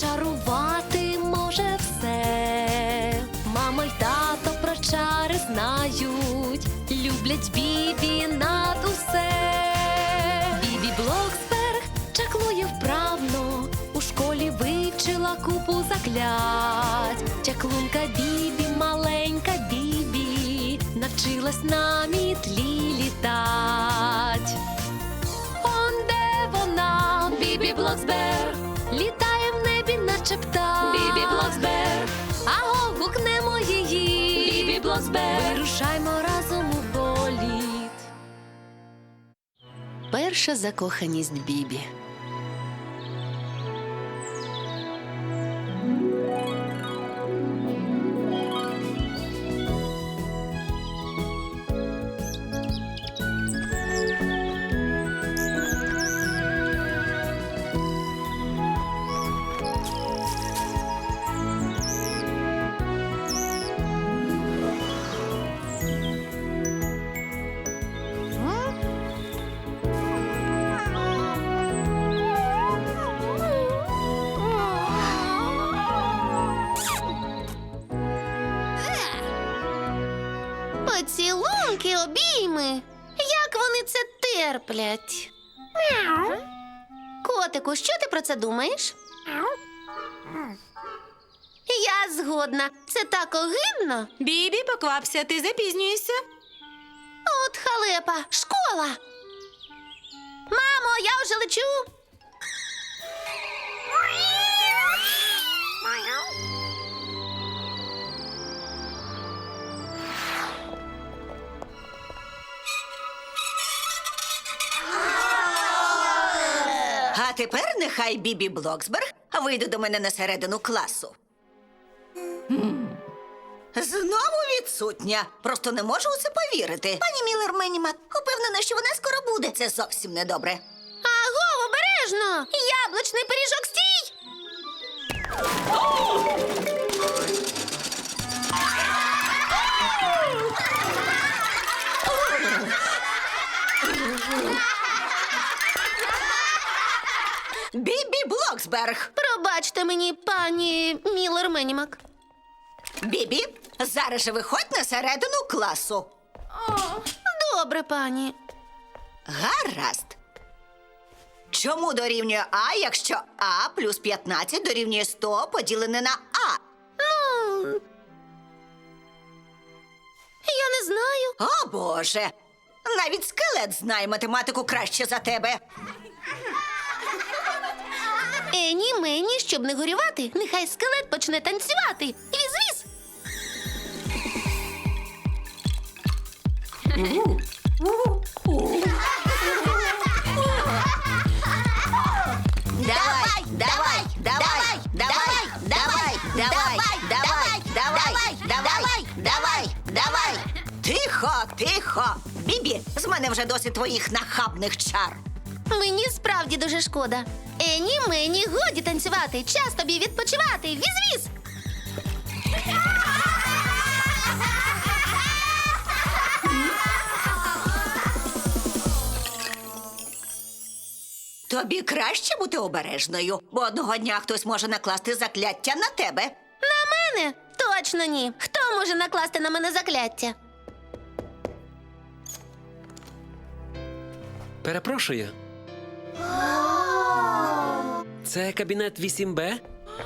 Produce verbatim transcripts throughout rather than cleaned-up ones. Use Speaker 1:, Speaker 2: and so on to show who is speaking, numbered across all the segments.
Speaker 1: зачарувати може все. Мама й тато про чари знають, люблять Бібі над усе. Бібі Блоксберг чаклує вправно, у школі вивчила купу заклять. Чаклунка Бібі, маленька Бібі, навчилась на мітлі літать. Он де вона, Бібі Блоксберг, літає в небі, наче птах. Бібі Блоксберг, аго, гукнемо її. Бібі Блоксберг, вирушаймо разом у політ. Перша закоханість Бібі.
Speaker 2: Поцілунки, обійми. Як вони це терплять? Котику, що ти про це думаєш? Я згодна. Це так огидно.
Speaker 3: Бібі, поквапся, ти запізнюєшся.
Speaker 2: От халепа, школа. Мамо, я вже лечу.
Speaker 4: А тепер нехай Бібі Блоксберг вийде до мене на середину класу. Знову відсутня. Просто не можу у це повірити. Пані Міллер Менімак, упевнена, що вона скоро буде. Це зовсім недобре.
Speaker 2: Аго, обережно! Яблучний пиріжок, стій!
Speaker 4: Бібі Блоксберг!
Speaker 2: Пробачте мені, пані Міллер Менімак.
Speaker 4: Бібі, зараз же виходь на середину класу.
Speaker 2: Добре, пані.
Speaker 4: Гаразд. Чому дорівнює А, якщо А плюс п'ятнадцять дорівнює сто поділене на А?
Speaker 2: Ну, я не знаю.
Speaker 4: О, Боже! Навіть скелет знає математику краще за тебе.
Speaker 2: Ені мені, щоб не горювати, нехай скелет почне танцювати. Віз-віз!
Speaker 4: Давай, давай, давай, давай, давай, давай, давай, давай, давай, давай, давай. Тихо, тихо. Бібі, з мене вже досить твоїх нахабних чар.
Speaker 2: Мені справді дуже шкода. Ені мені, годі танцювати, час тобі відпочивати. Віз-віз!
Speaker 4: Тобі краще бути обережною, бо одного дня хтось може накласти закляття на тебе.
Speaker 2: На мене? Точно ні. Хто може накласти на мене закляття?
Speaker 5: Перепрошую. Це кабінет вісім Б?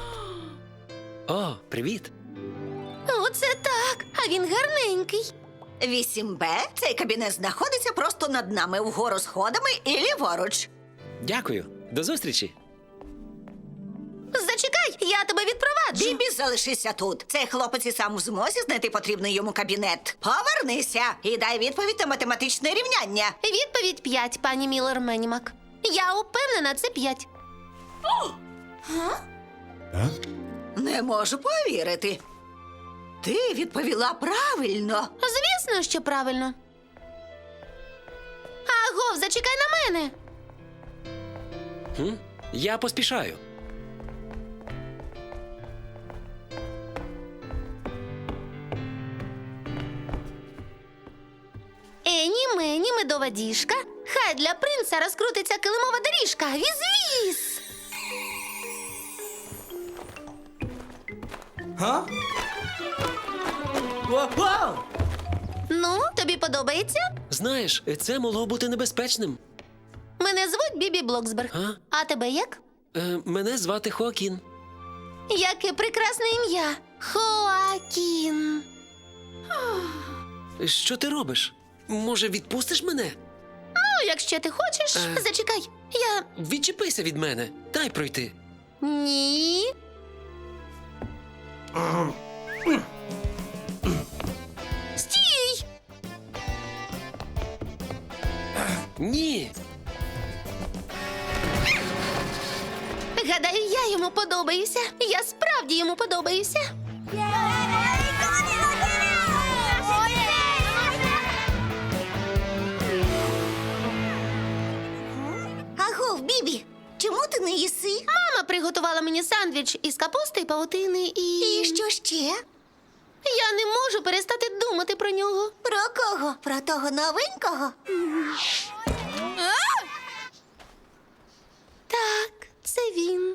Speaker 5: О, привіт.
Speaker 2: Оце так, а він гарненький.
Speaker 4: вісім Б – цей кабінет знаходиться просто над нами, вгору сходами і ліворуч.
Speaker 5: Дякую. До зустрічі.
Speaker 2: Зачекай, я тебе відпроваджу.
Speaker 4: Бібі, залишися тут. Цей хлопець і сам в змозі знайти потрібний йому кабінет. Повернися і дай відповідь на математичне рівняння.
Speaker 2: Відповідь п'ять, пані Міллер Менімак. Я упевнена, це п'ять.
Speaker 4: Не можу повірити. Ти відповіла правильно.
Speaker 2: Звісно, що правильно. Агов, зачекай на мене.
Speaker 5: Хм? Я поспішаю.
Speaker 2: Ені мені медова діжка. Хай для принца розкрутиться килимова доріжка. Віз-віз!
Speaker 6: Га? Вау!
Speaker 2: Ну, тобі подобається?
Speaker 5: Знаєш, це могло бути небезпечним.
Speaker 2: Мене звуть Бібі Блоксберг.
Speaker 5: А?
Speaker 2: А тебе як?
Speaker 5: Е, мене звати Хоакін.
Speaker 2: Яке прекрасне ім'я. Хоакін.
Speaker 5: Що ти робиш? Може, відпустиш мене?
Speaker 2: Ну, якщо ти хочеш,
Speaker 5: Е.
Speaker 2: зачекай. Я.
Speaker 5: Відчепися від мене. Дай пройти.
Speaker 2: Ні. Стій!
Speaker 5: Ні.
Speaker 2: Гадаю, я йому подобаюся. Я справді йому подобаюся.
Speaker 4: Агов, Бібі, чому ти не їси?
Speaker 2: Мама приготувала мені сандвіч із капусти, павутини і.
Speaker 4: І що ще?
Speaker 2: Я не можу перестати думати про нього.
Speaker 4: Про кого? Про того новенького?
Speaker 2: Так, це він.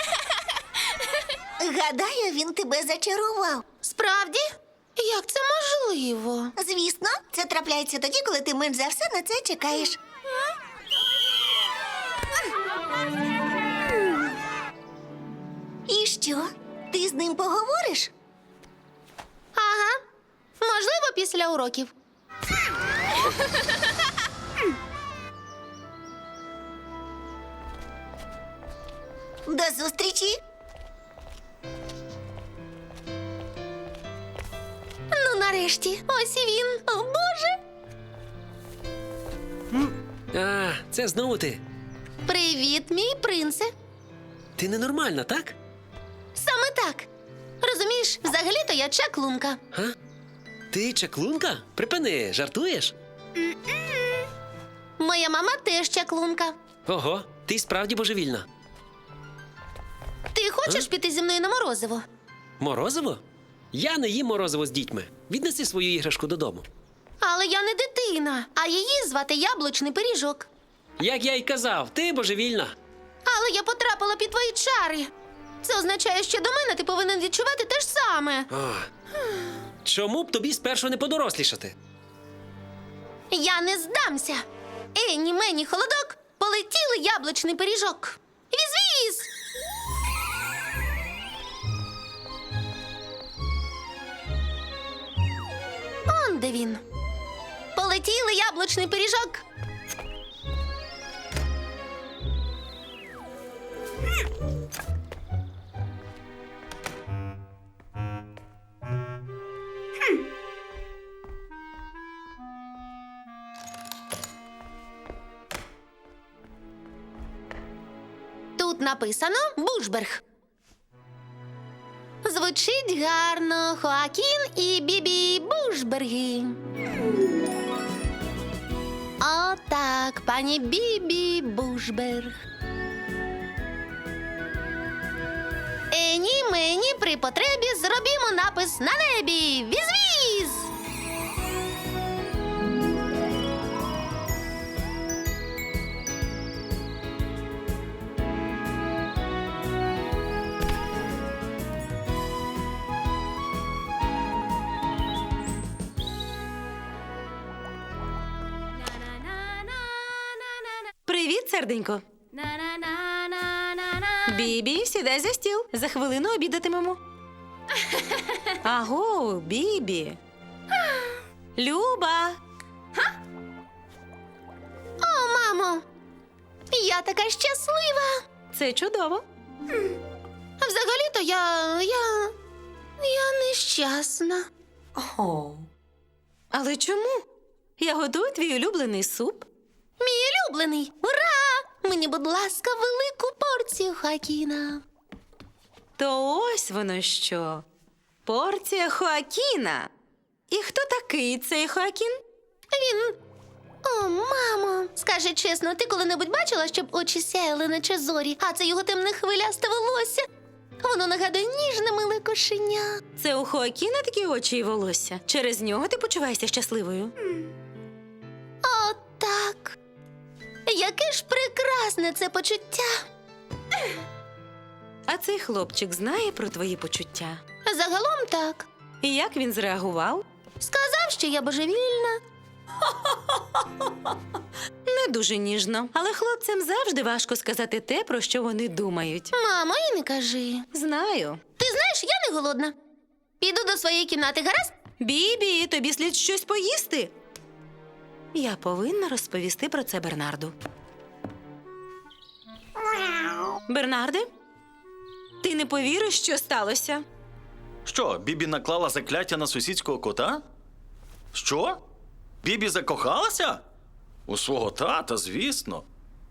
Speaker 4: Гадаю, він тебе зачарував.
Speaker 2: Справді? Як це можливо?
Speaker 4: Звісно, це трапляється тоді, коли ти менш за все на це чекаєш. І що? Ти з ним поговориш?
Speaker 2: Ага. Можливо, після уроків.
Speaker 4: До зустрічі!
Speaker 2: Ну, нарешті, ось і він. О, Боже!
Speaker 5: А, це знову ти.
Speaker 2: Привіт, мій принце.
Speaker 5: Ти ненормальна, так?
Speaker 2: Саме так. Розумієш, взагалі-то я чаклунка.
Speaker 5: Га? Ти чаклунка? Припини, жартуєш?
Speaker 2: Моя мама теж чаклунка.
Speaker 5: Ого, ти справді божевільна.
Speaker 2: Ти хочеш
Speaker 5: А?
Speaker 2: піти зі мною на морозиво?
Speaker 5: Морозиво? Я не їм морозиво з дітьми. Віднеси свою іграшку додому.
Speaker 2: Але я не дитина, а її звати яблучний пиріжок.
Speaker 5: Як я й казав, ти божевільна.
Speaker 2: Але я потрапила під твої чари. Це означає, що до мене ти повинен відчувати те ж саме.
Speaker 5: О, чому б тобі спершу не подорослішати?
Speaker 2: Я не здамся. Ені мені холодок, полетіли яблучний пиріжок. Віз-віз! Он де він. Полетіли яблучний пиріжок. Тут написано Бушберг. Звучить гарно. Хоакін і Бібі Бушберги. О, так, пані Бібі Бушберг. Ені мені при потребі зробімо напис на небі. Віз-віз!
Speaker 3: Привіт, серденько. Бібі, сідай за стіл. За хвилину обідатимемо. Аго, Бібі. Люба.
Speaker 2: О, мамо! Я така щаслива.
Speaker 3: Це чудово.
Speaker 2: Взагалі-то я. я. я нещасна.
Speaker 3: О. Але чому? Я готую твій улюблений суп.
Speaker 2: Мій улюблений. Ура! Мені, будь ласка, велику порцію Хоакіна.
Speaker 3: То ось воно що. Порція Хоакіна. І хто такий цей Хоакін?
Speaker 2: Він. О, мамо. Скажи чесно, ти коли-небудь бачила, щоб очі сяяли, наче зорі, а це його темне хвилясте волосся? Воно нагадує ніжне миле кошеня.
Speaker 3: Це у Хоакіна такі очі і волосся. Через нього ти почуваєшся щасливою.
Speaker 2: О, так. Яке ж прекрасне це почуття.
Speaker 3: А цей хлопчик знає про твої почуття.
Speaker 2: Загалом так.
Speaker 3: І як він зреагував?
Speaker 2: Сказав, що я божевільна.
Speaker 3: Не дуже ніжно. Але хлопцям завжди важко сказати те, про що вони думають.
Speaker 2: Мамо, і не кажи.
Speaker 3: Знаю.
Speaker 2: Ти знаєш, я не голодна. Піду до своєї кімнати, гаразд?
Speaker 3: Бібі, тобі слід щось поїсти. Я повинна розповісти про це Бернарду. Бернарде? Ти не повіриш, що сталося?
Speaker 6: Що, Бібі наклала закляття на сусідського кота? Що? Бібі закохалася? У свого тата, звісно.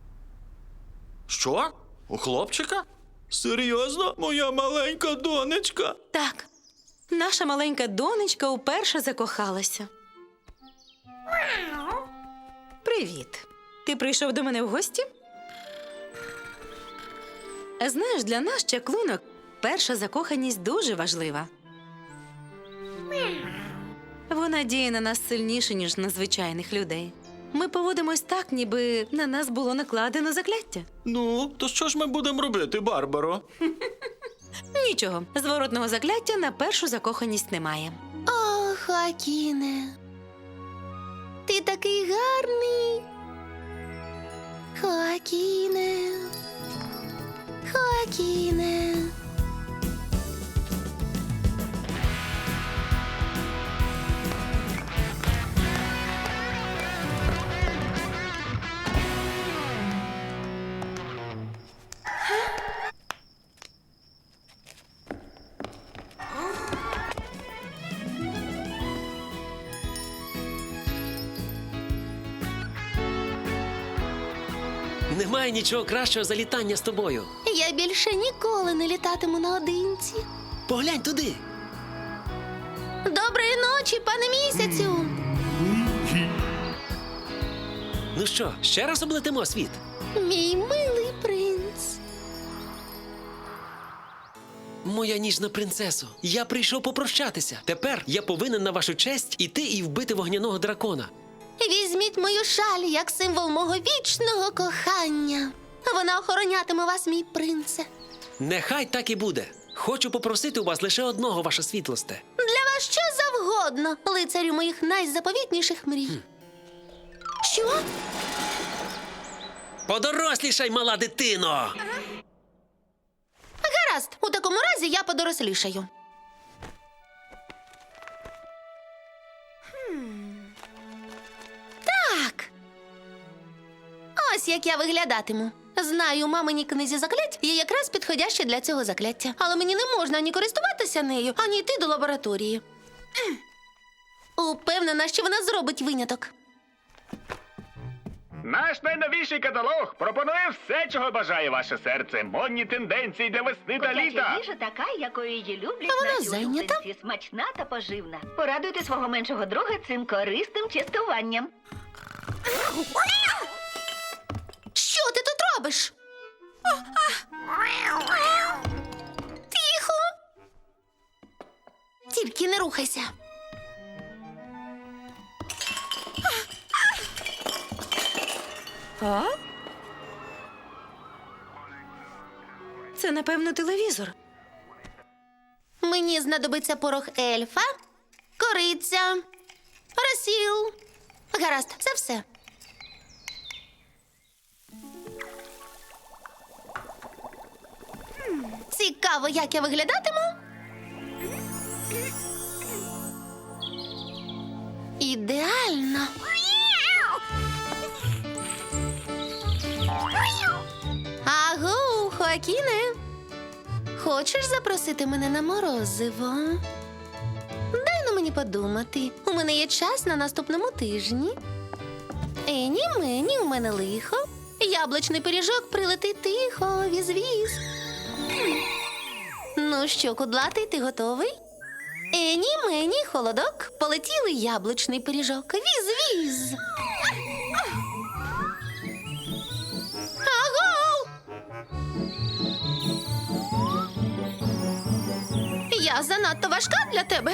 Speaker 6: Що? У хлопчика? Серйозно, моя маленька донечка?
Speaker 3: Так, наша маленька донечка уперше закохалася. Привіт. Ти прийшов до мене в гості? Знаєш, для нас, чаклунок, перша закоханість дуже важлива. Вона діє на нас сильніше, ніж на звичайних людей. Ми поводимось так, ніби на нас було накладено закляття.
Speaker 6: Ну, то що ж ми будемо робити, Барбаро?
Speaker 3: Нічого, зворотного закляття на першу закоханість немає.
Speaker 2: О, Хоакіне. Ти такий гарний. Хоакіне. Хоакіне.
Speaker 5: Немає нічого кращого за літання з тобою.
Speaker 2: Я більше ніколи не літатиму наодинці.
Speaker 5: Поглянь туди.
Speaker 2: Доброї ночі, пане місяцю.
Speaker 5: Ну що, ще раз облетимо світ?
Speaker 2: Мій милий принц.
Speaker 5: Моя ніжна принцесо, я прийшов попрощатися. Тепер я повинен на вашу честь іти і вбити вогняного дракона.
Speaker 2: Візьміть мою шаль як символ мого вічного кохання. Вона охоронятиме вас, мій принце.
Speaker 5: Нехай так і буде. Хочу попросити у вас лише одного, ваша світлосте.
Speaker 2: Для вас що завгодно, лицарю моїх найзаповітніших мрій. Що?
Speaker 5: Подорослішай, мала дитино!
Speaker 2: Гаразд, у такому разі я подорослішаю. Так. Ось як я виглядатиму. Знаю, у маминій книзі заклять є якраз підходяще для цього закляття. Але мені не можна ані користуватися нею, ані йти до лабораторії. Упевнена, що вона зробить виняток.
Speaker 7: Наш найновіший каталог пропонує все, чого бажає ваше серце. Модні тенденції для весни та
Speaker 8: Котяча
Speaker 7: літа.
Speaker 8: їжа така, якою її люблять
Speaker 2: А вона
Speaker 8: наші
Speaker 2: зайнята?
Speaker 8: улюбленці. Смачна та поживна. Порадуйте свого меншого друга цим корисним частуванням.
Speaker 2: Що ти тут робиш? Тихо. Тільки не рухайся.
Speaker 3: А? Це, напевно, телевізор.
Speaker 2: Мені знадобиться порох ельфа, кориця, розсіл. Гаразд, це все. Цікаво, як я виглядатиму. Ідеально. Агу, Хоакіне. Хочеш запросити мене на морозиво? Дай на мені подумати. У мене є час на наступному тижні. Ені мені, у мене лихо. Яблучний пиріжок прилетить тихо, віз-віз. Ну що, кудлатий, ти готовий? Ені мені, холодок, полетіли яблучний пиріжок. Віз-віз. Агов! Я занадто важка для тебе.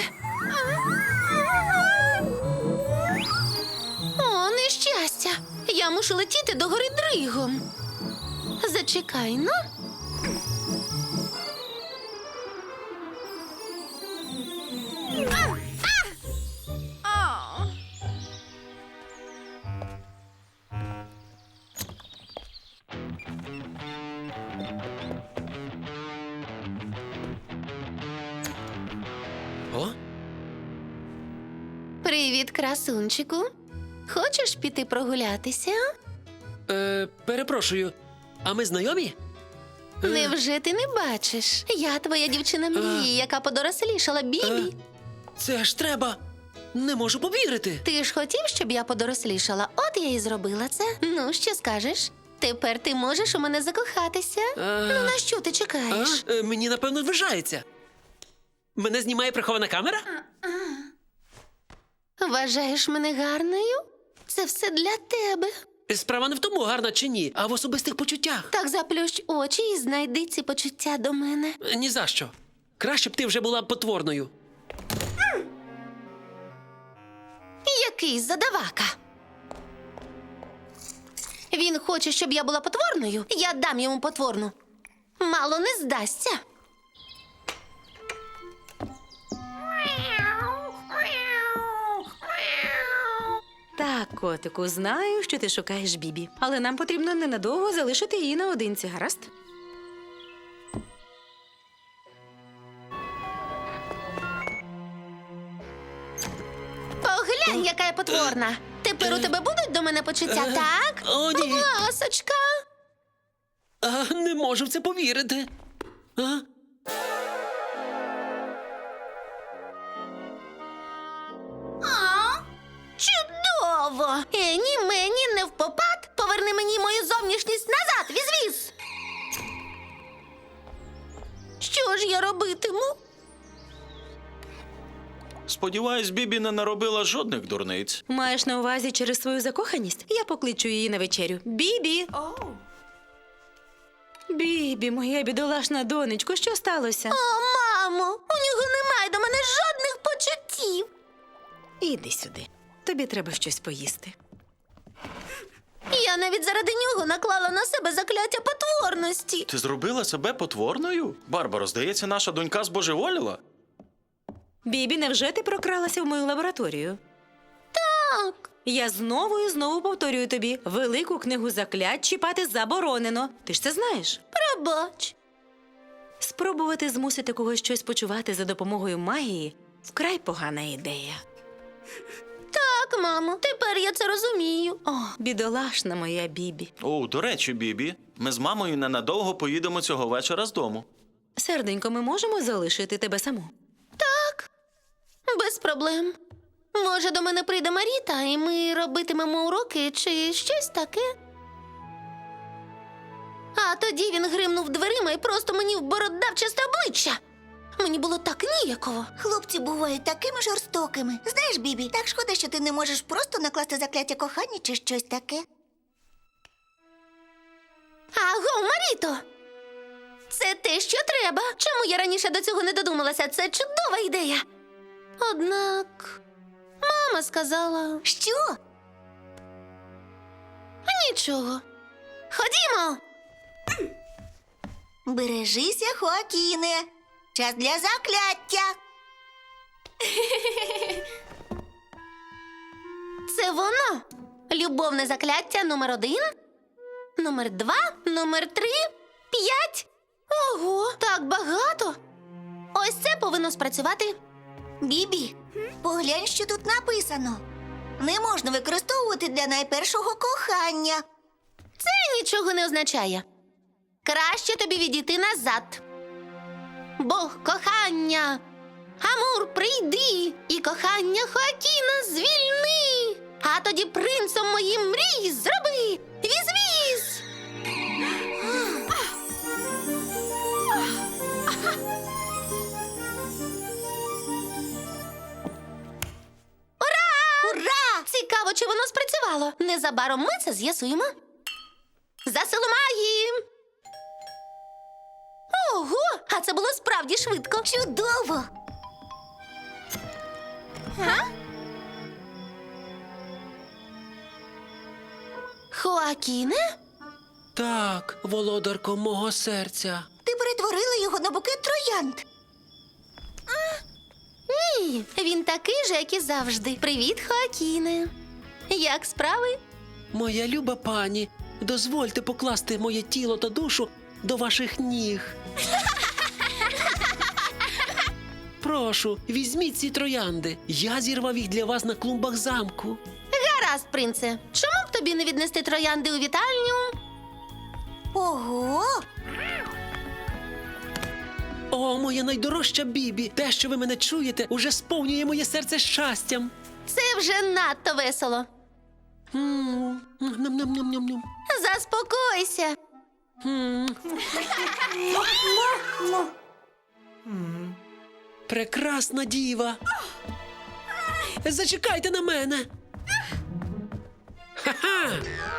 Speaker 2: О, нещастя! Я мушу летіти до гори дригом. Зачекай, ну. Привіт, красунчику. Хочеш піти прогулятися?
Speaker 5: Е, перепрошую, а ми знайомі? Е,
Speaker 2: Невже ти не бачиш? Я твоя дівчина мрії, яка подорослішала, Бібі.
Speaker 5: Це ж треба. Не можу повірити.
Speaker 2: Ти ж хотів, щоб я подорослішала? От я і зробила це. Ну, що скажеш? Тепер ти можеш у мене закохатися.
Speaker 5: Е,
Speaker 2: Ну, на що ти
Speaker 5: а?
Speaker 2: чекаєш?
Speaker 5: Е, мені, напевно, вважається. Мене знімає прихована камера?
Speaker 2: Вважаєш мене гарною? Це все для тебе.
Speaker 5: Справа не в тому, гарна чи ні, а в особистих почуттях.
Speaker 2: Так заплющ очі і знайди ці почуття до мене.
Speaker 5: Е, Ні за що. Краще б ти вже була потворною.
Speaker 2: Який задавака. Він хоче, щоб я була потворною. Я дам йому потворну. Мало не здасться.
Speaker 3: Так, котику, знаю, що ти шукаєш Бібі. Але нам потрібно ненадовго залишити її наодинці, гаразд?
Speaker 2: Поглянь, яка я потворна. Тепер у тебе будуть до мене почуття, так?
Speaker 5: О, ні.
Speaker 2: Ласочка.
Speaker 5: А, не можу в це повірити. А?
Speaker 2: Чудово! Ені мені не впопад. Поверни мені мою зовнішність назад, візвіз. Що ж я робитиму?
Speaker 6: Сподіваюсь, Бібі не наробила жодних дурниць.
Speaker 3: Маєш на увазі через свою закоханість? Я покличу її на вечерю. Бібі! Бібі, моя бідолашна донечко, що сталося?
Speaker 2: О, мамо, у нього немає до мене жодних почуттів.
Speaker 3: Іди сюди. Тобі треба щось поїсти.
Speaker 2: Я навіть заради нього наклала на себе закляття потворності.
Speaker 6: Ти зробила себе потворною? Барбаро, здається, наша донька збожеволіла.
Speaker 3: Бібі, невже ти прокралася в мою лабораторію?
Speaker 2: Так.
Speaker 3: Я знову і знову повторюю тобі, велику книгу заклять чіпати заборонено. Ти ж це знаєш.
Speaker 2: Пробач.
Speaker 3: Спробувати змусити когось щось почувати за допомогою магії – вкрай погана ідея.
Speaker 2: Так, мамо, тепер я це розумію.
Speaker 3: О, бідолашна моя Бібі.
Speaker 6: О, до речі, Бібі, ми з мамою ненадовго поїдемо цього вечора з дому.
Speaker 3: Серденько, ми можемо залишити тебе саму?
Speaker 2: Так, без проблем. Може, до мене прийде Маріта, і ми робитимемо уроки чи щось таке. А тоді він гримнув дверима і просто мені вбородав чисте обличчя. Мені було так ніяково.
Speaker 4: Хлопці бувають такими жорстокими. Знаєш, Бібі, так шкода, що ти не можеш просто накласти закляття кохання чи щось таке.
Speaker 2: Аго, Маріто! Це те, що треба. Чому я раніше до цього не додумалася? Це чудова ідея. Однак, мама сказала...
Speaker 4: Що?
Speaker 2: Нічого. Ходімо!
Speaker 4: Бережися, Хоакіне. Час для закляття.
Speaker 2: Це воно. Любовне закляття номер один, номер два, номер три, п'ять. Ого, так багато. Ось це повинно спрацювати.
Speaker 4: Бібі, поглянь, що тут написано. Не можна використовувати для найпершого кохання.
Speaker 2: Це нічого не означає. Краще тобі відійти назад. Бог кохання. Амур, прийди, і кохання Хоакіна звільни. А тоді принцом моїм мрій зроби. Віз-віз!
Speaker 4: Ура!
Speaker 2: Цікаво, чи воно спрацювало. Незабаром ми це з'ясуємо. За силу магії! Ого, а це було справді швидко.
Speaker 4: Чудово!
Speaker 2: Хоакіне?
Speaker 5: Так, володарко мого серця.
Speaker 4: Ти перетворила його на букет троянд.
Speaker 2: Ні, він такий же, як і завжди. Привіт, Хоакіне. Як справи?
Speaker 5: Моя люба пані, дозвольте покласти моє тіло та душу до ваших ніг. прошу, візьміть ці троянди. Я зірвав їх для вас на клумбах замку.
Speaker 2: Гаразд, принце. Чому б тобі не віднести троянди у вітальню?
Speaker 4: Ого!
Speaker 5: О, моя найдорожча Бібі! Те, що ви мене чуєте, уже сповнює моє серце щастям.
Speaker 2: Це вже надто весело.
Speaker 5: М, ням-ням-ням-ням-ням.
Speaker 2: Заспокойся.
Speaker 5: М. Прекрасна діва. Зачекайте на мене. Ха-ха!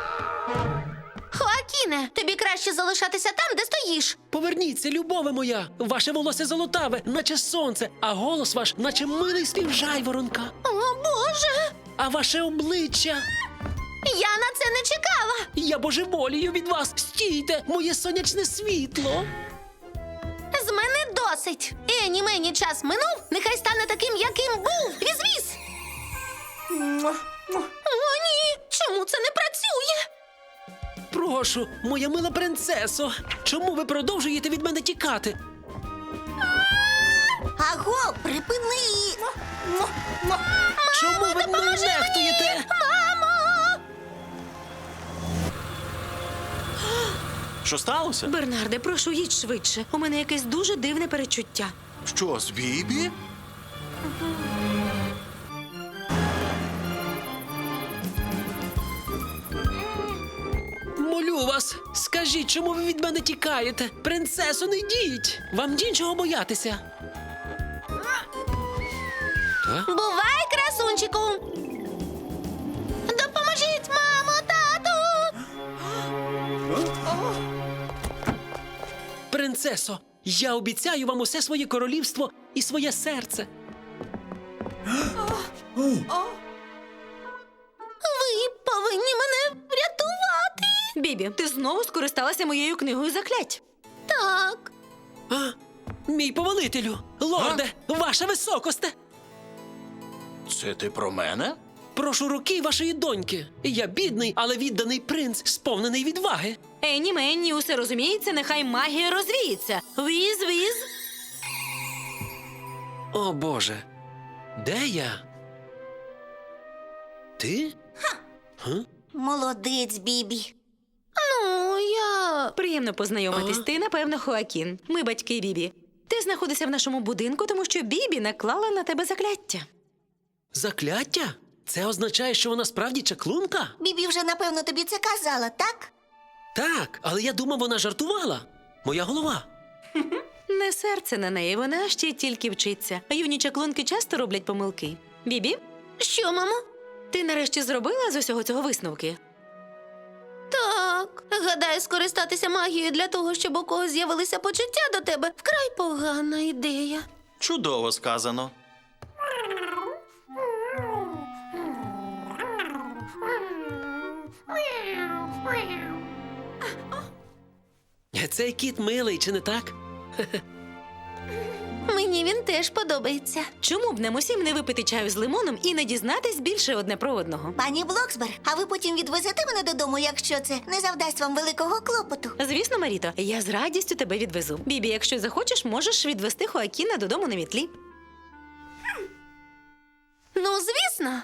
Speaker 2: Хоакіне, тобі краще залишатися там, де стоїш.
Speaker 5: Поверніться, любове моя! Ваше волосся золотаве, наче сонце, а голос ваш, наче милий спів жайворонка.
Speaker 2: О, Боже!
Speaker 5: А ваше обличчя.
Speaker 2: Я на це не чекала.
Speaker 5: Я божеволію від вас. Стійте, моє сонячне світло.
Speaker 2: З мене досить. Ені мені час минув, нехай стане таким, яким був. Віз-віз. О, ні! Чому це не працює?
Speaker 5: Прошу, моя мила принцесо, чому ви продовжуєте від мене тікати?
Speaker 4: Аго, припини!
Speaker 5: Чому ви мною нехтуєте?
Speaker 6: Що сталося?
Speaker 3: Бернарде, прошу, їдь швидше. У мене якесь дуже дивне перечуття.
Speaker 6: Що, з Бібі?
Speaker 5: Молю вас, скажіть, чому ви від мене тікаєте? Принцесо, не йдіть! Вам нічого боятися.
Speaker 2: Бувай, красунчику. Допоможіть, мамо, тату.
Speaker 5: Принцесо, я обіцяю вам усе своє королівство і своє серце.
Speaker 2: Ви повинні мене врятувати.
Speaker 3: Бібі, ти знову скористалася моєю книгою заклять.
Speaker 2: Так.
Speaker 5: А? Мій повелителю, лорде, ваша високосте.
Speaker 6: Це ти про мене?
Speaker 5: Прошу руки вашої доньки. Я бідний, але відданий принц, сповнений відваги.
Speaker 3: Ені Менні, усе розуміється, нехай магія розвіється. Віз-віз.
Speaker 5: О, Боже, де я? Ти? Га?
Speaker 4: Молодець, Бібі.
Speaker 2: Ну, я...
Speaker 3: Приємно познайомитись.
Speaker 5: А?
Speaker 3: Ти, напевно, Хоакін. Ми батьки Бібі. Ти знаходишся в нашому будинку, тому що Бібі наклала на тебе закляття.
Speaker 5: Закляття? Це означає, що вона справді чаклунка?
Speaker 4: Бібі вже, напевно, тобі це казала, так?
Speaker 5: Так, але я думав, вона жартувала. Моя голова.
Speaker 3: Не серце на неї, вона ще тільки вчиться. А юні чаклунки часто роблять помилки. Бібі,
Speaker 2: Що, мамо?
Speaker 3: ти нарешті зробила з усього цього висновки?
Speaker 2: Так. Гадаю, скористатися магією для того, щоб у когось з'явилися почуття до тебе. Вкрай погана ідея.
Speaker 6: Чудово сказано.
Speaker 5: Цей кіт милий, чи не так?
Speaker 2: Мені він теж подобається.
Speaker 3: Чому б нам усім не випити чаю з лимоном і не дізнатись більше одне про одного?
Speaker 4: Пані Блоксберг, а ви потім відвезете мене додому, якщо це не завдасть вам великого клопоту?
Speaker 3: Звісно, Маріто, я з радістю тебе відвезу. Бібі, якщо захочеш, можеш відвезти Хоакіна додому на мітлі.
Speaker 2: Ну, звісно.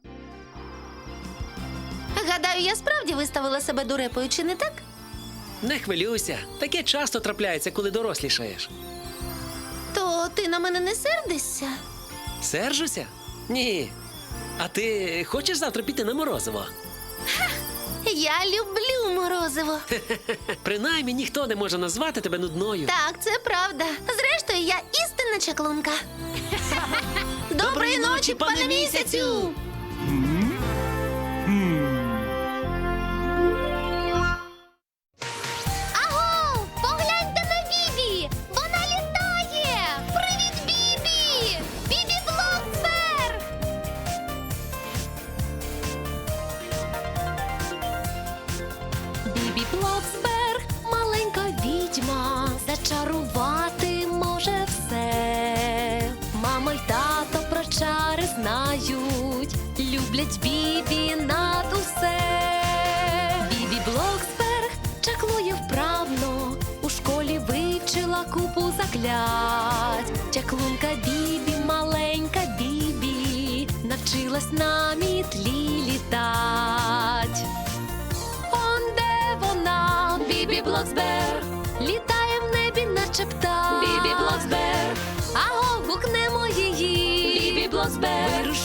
Speaker 2: Гадаю, я справді виставила себе дурепою, чи не так?
Speaker 5: Не хвилюйся. Таке часто трапляється, коли дорослішаєш.
Speaker 2: То ти на мене не сердишся?
Speaker 5: Сержуся? Ні. А ти хочеш завтра піти на морозиво?
Speaker 2: Я люблю морозиво.
Speaker 5: Принаймні ніхто не може назвати тебе нудною.
Speaker 2: Так, це правда. Зрештою, я істинна чаклунка. Доброї ночі, пане місяцю! Аго! Погляньте на Бібі! Вона літає! Привіт, Бібі! Бібі Блоксберг!
Speaker 1: Бібі Блоксберг, маленька відьма, зачарувати може все. Мама й тато про чари знають, люблять Бібі над усе. Бібі Блоксберг чаклує вправно, у школі вивчила купу заклять. Чаклунка Бібі, маленька Бібі, навчилась на мітлі літать. Он де вона, Бібі Блоксберг, літає в небі, наче птах. Бібі Блоксберг, аго, гукнемо її. Бібі Блоксберг,